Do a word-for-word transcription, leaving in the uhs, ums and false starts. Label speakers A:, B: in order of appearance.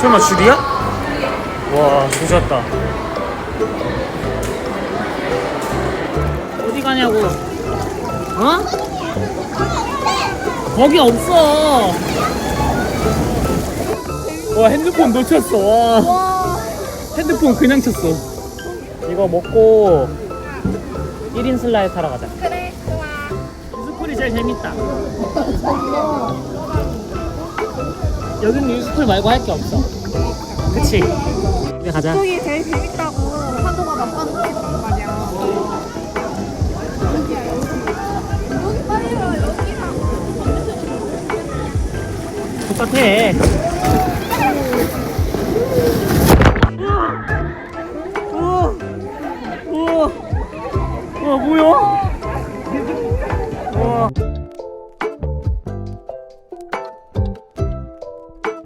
A: 설마 줄이야? 와 조졌다. 어디 가냐고. 어? 거기 없어. 와 핸드폰 놓쳤어. 와. 핸드폰 그냥 쳤어. 이거 먹고 일 인 슬라이드 타러 가자.
B: 그래, 좋아.
A: 유스풀이 제일 재밌다. 여기는 유스풀 말고 할 게 없어. 그치? 이제 가자.
B: 이쪽이 제일 재밌다고 한동안 아빠는 했단 말이야. 여기 빨리 와, 여기랑.
A: 똑같아.